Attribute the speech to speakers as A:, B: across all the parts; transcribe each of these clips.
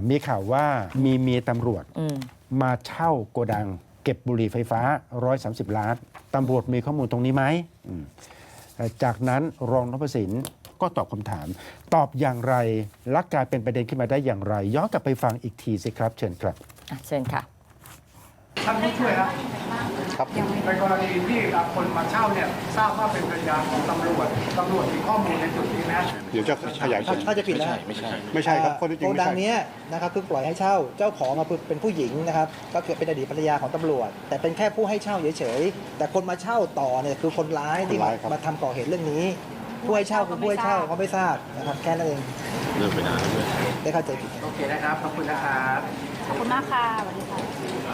A: มีข่าวว่ามีเมียตำรวจมาเช่าโกดัง เก็บบุหรี่ไฟฟ้า130 ล้านตำรวจมีข้อมูลตรงนี้ไหมจากนั้นรองนพสินก็ตอบคำถาม ตอบอย่างไรและกลายเป็นประเด็นขึ้นมาได้อย่างไร ย้อนกลับไปฟังอีกทีสิครับ เชิญครับ
B: เชิญค่ะ
C: ท่านผู้ช่วยครับ
D: ครับ
C: ในกรณีที่คนมาเช่าเนี่ยทราบว่าเป็นภรรยาของตำรวจมีข้อมูลในจุดนี้นะ
D: เดี๋ยวจะขยายผล
E: ถ้าจะผิดนะ
D: ไม่ใช่ครับข้อเท็จจริง
E: โก
D: ไม่
E: ดัง
D: ใช่
E: เนี้ยนะครับคือปล่อยให้เช่าเจ้าของเป็นผู้หญิงนะครับก็คือเป็นอดีตภรรยาของตำรวจ แต่เป็นแค่ผู้ให้เช่าเฉยๆแต่คนมาเช่าต่อเนี่ยคือคนร้ายที่มาทำก่อเหตุเรื่องนี้ผู้ให้เช่าคือผู้ให้เช่าเขาไม่ทราบนะครับแค่นั้นเองเลิกไปนานแล้วด้วยได้เข้าใจผิด
C: โอเคนะครับขอบคุณนะครับ
F: ขอบคุณมากค่ะสวัสดีค่ะ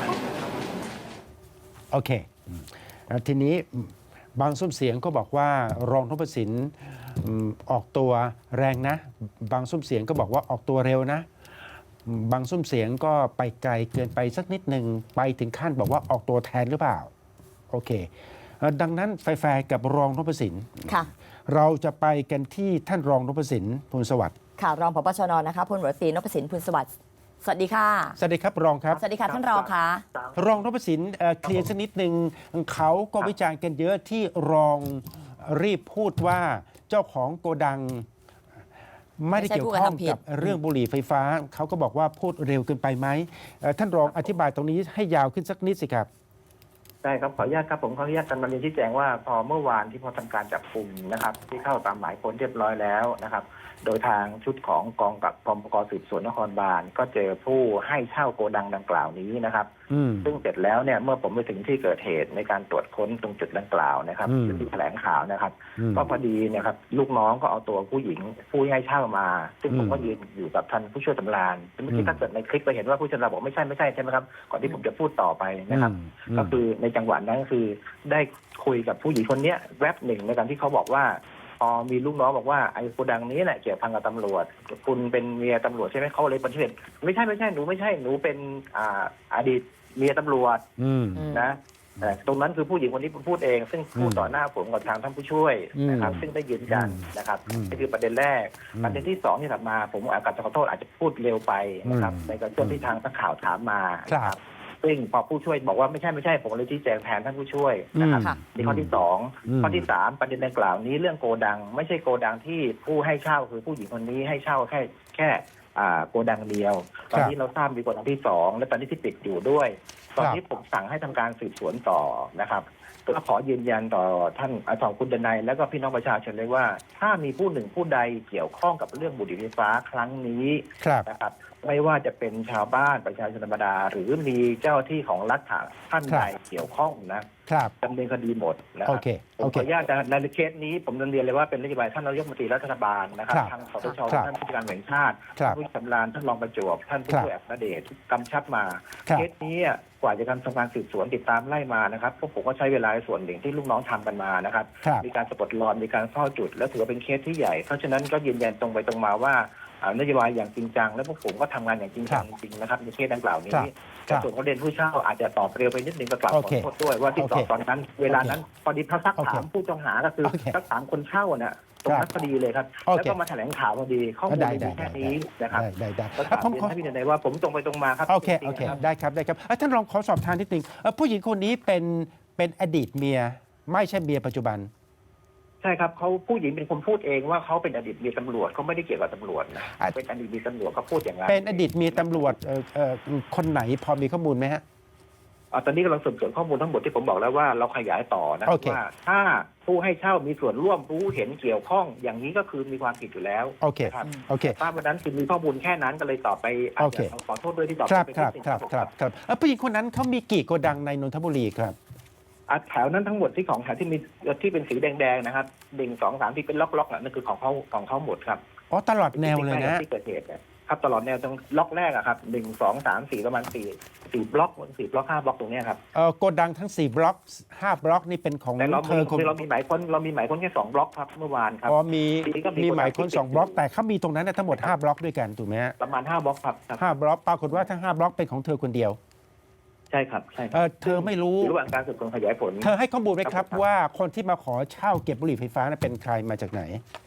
A: โอเคทีนี้บางซุ้มเสียงก็บอกว่ารองนพสินออกตัวแรงนะ บางซุ้มเสียงก็บอกว่าออกตัวเร็วนะ บางซุ้มเสียงก็ไปไกลเกินไปสักนิดหนึ่งไปถึงขั้นบอกว่าออกตัวแทนหรือเปล่าโอเคดังนั้นแฟร์กับรองนพสิน
B: ค่ะ
A: เราจะไปกันที่ท่านรองนพสินพูนสวัสดิ์
B: ค่ะรองผบชนนะคะพลตำรวจตรีนพสินพูนสวัสดิ์สวัสดีค่ะ
A: สวัสดีครับรองครับ
B: สวัสดีค่ะท่านรองค่ะ
A: รองนพสินเคลียร์สักนิดหนึ่งเขาก็วิจารณ์กันเยอะที่รองรีบพูดว่าเจ้าของโกดัง ไม่ได้เกี่ยวข้องกับเรื่องบุหรี่ไฟฟ้า เขาก็บอกว่าพูดเร็วเกินไปไหมท่านรองอธิบายตรงนี้ให้ยาวขึ้นสักนิดสิครับ
G: ได้ครับขออนุญาตครับผมขออนุญาตการนำเรียนชี้แจงว่าพอเมื่อวานที่พอทำการจับกลุ่มนะครับที่เข้าตามหมายค้นเรียบร้อยแล้วนะครับโดยทางชุดของกองกับกองปกสืบสวนนครบาลก็เจอผู้ให้เช่าโกดังดังกล่าวนี้นะครับซึ่งเสร็จแล้วเนี่ยเมื่อผมไปถึงที่เกิดเหตุในการตรวจค้นตรงจุดดังกล่าวนะครับที่แถลงข่าวนะครับก็พอดีเนี่ยครับลูกน้องก็เอาตัวผู้หญิงผู้ให้เช่ามา ซึ่งผมก็ยืนอยู่กับท่านผู้ช่วยสำราญเมื่อกี้ถ้าเกิดในคลิปไปเห็นว่าผู้ช่วยสำราญบอกไม่ใช่ใช่ไหมครับก่อนที่ผมจะพูดต่อไปนะครับก็คือในจังหวะนั้นก็คือได้คุยกับผู้หญิงคนนี้แวบหนึ่งในการที่เขาบอกว่าพอมีลูกน้องบอกว่าไอ้โกดังนี้แหละเกี่ยวพันกับตำรวจคุณเป็นเมียตำรวจใช่ไหมเขาเลยปฏิเสธไม่ใช่หนูไม่ใช่หนูเป็นอดีตเมียตำรวจนะตรงนั้นคือผู้หญิงคนนี้พูดเองซึ่งพูดต่อหน้าผมกับทางท่านผู้ช่วยนะครับซึ่งได้ยืนยันนะครับนี่คือประเด็นแรกประเด็นที่สองที่ถัดมาผมอาจจะขอโทษอาจจะพูดเร็วไปนะครับในกรณีที่ทางนักข่าวถามมาครับซึ่งพอผู้ช่วยบอกว่าไม่ใช่ผมเลยชี้แจงแทนท่านผู้ช่วยนะครับนี่ข้อที่สองข้อที่สามประเด็นดังกล่าวนี้เรื่องโกดังไม่ใช่โกดังที่ผู้ให้เช่าคือผู้หญิงคนนี้ให้เช่าแค่โกดังเดียวตอนนี้เราทราบมีโกดังที่สองและตอนนี้ที่ปิดอยู่ด้วยตอนนี้ผมสั่งให้ทำการสืบสวนต่อนะครับก็ขอยืนยันต่อท่านอาจารย์คุณดนัยและก็พี่น้องประชาชนเลยว่าถ้ามีผู้หนึ่งผู้ใดเกี่ยวข้องกับเรื่องบุหรี่ไฟฟ้าครั้งนี้นะครับไม่ว่าจะเป็นชาวบ้านประชาชนธรรมดาหรือมีเจ้าที่ของรัฐท่านใดเกี่ยวข้องนะดำเนินคดีหมดนะครับผมขออนุญาตในเคสนี้ผมเรียนเลยว่าเป็นนโยบายท่านนายกรัฐมนตรีรัฐบาลนะครับทางสตชท่านผู้การแห่งชาติผู้ชำนาญท่านรองประจวบท่านผู้ช่วยอัครเดชกำชับมาเคสนี้กว่าจะทำการสืบสวนติดตามไล่มานะครับพวกผมก็ใช้เวลาส่วนหนึ่งที่ลูกน้องทำกันมานะครับมีการสะกดรอยมีการเฝ้าจุดและถือว่าเป็นเคสที่ใหญ่เพราะฉะนั้นก็ยืนยันตรงไปตรงมาว่านโยบายอย่างจริงจังและพวกผมก็ทำงานอย่างจริงจังจริงนะครับในเคสดังกล่าวนี้แต่ส่วนประเด็นผู้เช่าอาจจะตอบเร็วไปนิดนึงก็กลับขอโทษด้วยว่าที่ตอบตอนนั้นเวลานั้นพอดีเขาซักถามผู้ต้องหาก็คือซักถามคนเช่าเนี่ยตรงนั้นพอดีเลยครับแล้วก็มาแถลงข่าวพอดีข้อมูลมีแค่นี้นะครับก็ถามให้พี่นายว่าผมตรงไปตรงมาครับ
A: โอเคได้ครับท่านรองขอสอบทานนิดนึงผู้หญิงคนนี้เป็นอดีตเมียไม่ใช่เมียปัจจุบัน
G: ใช่ครับเขาผู้หญิงเป็นคนพูดเองว่าเขาเป็นอดีตเมียตำรวจเขาไม่ได้เกี่ยวกับตำรวจนะเป็นอดีตเมียตำรวจเขาพูดอย่างนั้น
A: เป็นอดีตเมียตำรวจคนไหนพอมีข้อมูลไหมฮะ
G: ตอนนี้กำลังสืบสวนข้อมูลทั้งหมดที่ผมบอกแล้วว่าเราขยายต่อนะว่าถ้าผู้ให้เช่ามีส่วนร่วมรู้เห็นเกี่ยวข้องอย่างนี้ก็คือมีความผิดอยู่แล้ว
A: ครับ
G: ถ้าวันนั้นคือมีข้อมูลแค่นั้นก็เลยตอบไปอาจจะขอโทษด้วยที่ตอบไป
A: ครับผู้หญิงคนนั้นเขามีกี่โกดังในนนทบุรีครับ
G: แถวนั้นทั้งหมดที่ของแถวที่มีที่เป็นสีแดงๆนะครับ1 2 3ที่เป็นล็อกๆนั่นคือของเขาหมดครับ
A: ตลอดแนวเลยนะ
G: ที่เกิดเหตุครับตลอดแนวตรงล็อกแรกครับ1 2 3 4ประมาณ4บล็อก4บล็อก5บล็อกตรงนี้ครับ
A: โกดังทั้ง4บล็อก5บล็อกนี่เป็นของ
G: เธอเรามีหมายค้นแค่2บล็อกครับเมื่อวานครับ
A: มีหมายค้น2บล็อกแต่เขามีตรงนั้นทั้งหมด5บล็อกด้วยกันถูกไหมฮะ
G: ประมาณ5บล็อกครับ
A: 5บล็อกปรากฏว่าทั้ง5บล็อกเป็นของเธอคนเดียว
G: ใช่ครับ
A: เธอไม่รู้
G: ระหว่างการสืบสวนขยายผล
A: เธอให้ข้อมูลไหมครับว่าคนที่มาขอเช่าเก็บบุหรี่ไฟฟ้าเป็นใครมาจากไหน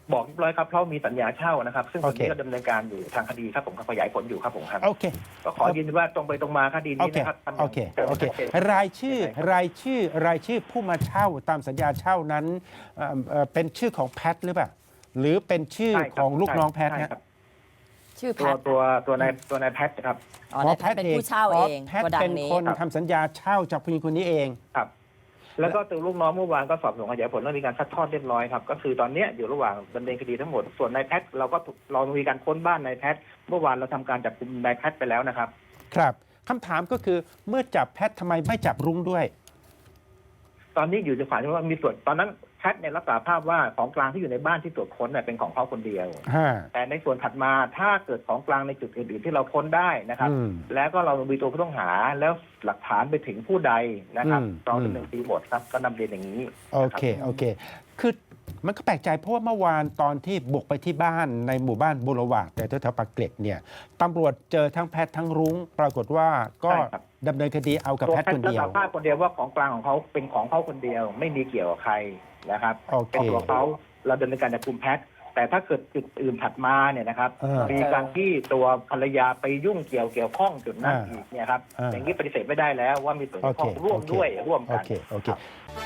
G: บอกเรียบร้อยครับเพราะมีสัญญาเช่านะครับซึ่งตอนนี้
A: โอเค
G: ก็ดำเนินการอยู่ทางคดีครับผมขยายผลอยู่ครับผมครับ
A: โอเค
G: ก็ขอยืนยันว่าตรงไปตรงมาคดี
A: โอ
G: นี้
A: เค
G: นะครับทำย่าง
A: โอเค โอเค
G: ชัดจน
A: รายชื่อผู้มาเช่าตามสัญญาเช่านั้นเป็นชื่อของแพทหรือเปล่า หรือเป็นชื่อ
G: ใช่ครับ
A: ของลูกน้องแพท
G: ใช่
A: ฮะ
G: ครับ
B: ชื่อแพ
G: ตัวนายแพทครับ
B: อ๋อนายแพทเป็นผู้เช่าเอง
A: แพท
B: โกดั
A: เป็น
B: งนี้
A: คนทำสัญญาเช่าจากผู้หญิงคนนี้เอง
G: ครับ แล้วก็ตัวลูกน้องเมื่อวานก็สอบสวนขยายผลแล้วมีการซัดทอดเรียบร้อยครับก็คือตอนเนี้ยอยู่ระหว่างดำเนินคดีทั้งหมดส่วนนายแพทเรามีการค้นบ้านนายแพทเมื่อวานเราทำการจับกุมนายแพทไปแล้วนะครับ
A: ครับคำถามก็คือเมื่อจับแพททำไมไม่จับรุ้งด้วย
G: ตอนนี้อยู่ในฝ่ายที่ว่ามีส่วนตอนนั้นแพทเนี่ยรับสารภาพว่าของกลางที่อยู่ในบ้านที่ตรวจค้นเนี่ยเป็นของเขาคนเดียว แต่ในส่วนถัดมาถ้าเกิดของกลางในจุดอื่นๆที่เราค้นได้นะครับ
A: อืม
G: แล้วก็เรามีตัวผู้ต้องหาแล้วหลักฐานไปถึงผู้ใดนะครับ
A: อืม
G: เราดำเนินคดีหมดครับก็นำเรียนอย่างนี้
A: โอเค โอเค คือมันก็แปลกใจเพราะว่าเมื่อวานตอนที่บุกไปที่บ้านในหมู่บ้านบุรวาดแต่แถวๆปากเกร็ดเนี่ยตำรวจเจอทั้งแพทย์ทั้งรุ้ง ปรากฏว่าก็
G: ใช่ครับ
A: ดำเนินคดีเอากับ
G: ตัว
A: แพทย์
G: แพท
A: คน
G: ย์รับ
A: เดีย
G: สาว รภาพคนเดียวว่าของกลางของเขาเป็นของเขาคนเดียว ไม่มีเกี่ยวกับใครนะครับ
A: โอเค
G: เป็นตัวเขาเราดำเนินการจับกุมแพทย์แต่ถ้าเกิดจุดอื่นถัดมาเนี่ยนะครับ มีการที่ตัวภรรยาไปยุ่งเกี่ยวข้องจุดนั้นอีกเนี่ยครับ อย่างนี้ปฏิเสธไม่ได้แล้วว่ามีส่วนเกี่ยวข้องร่วมด้วยร่วม
A: โอ
G: กัน
A: เค โอเค
G: ครับ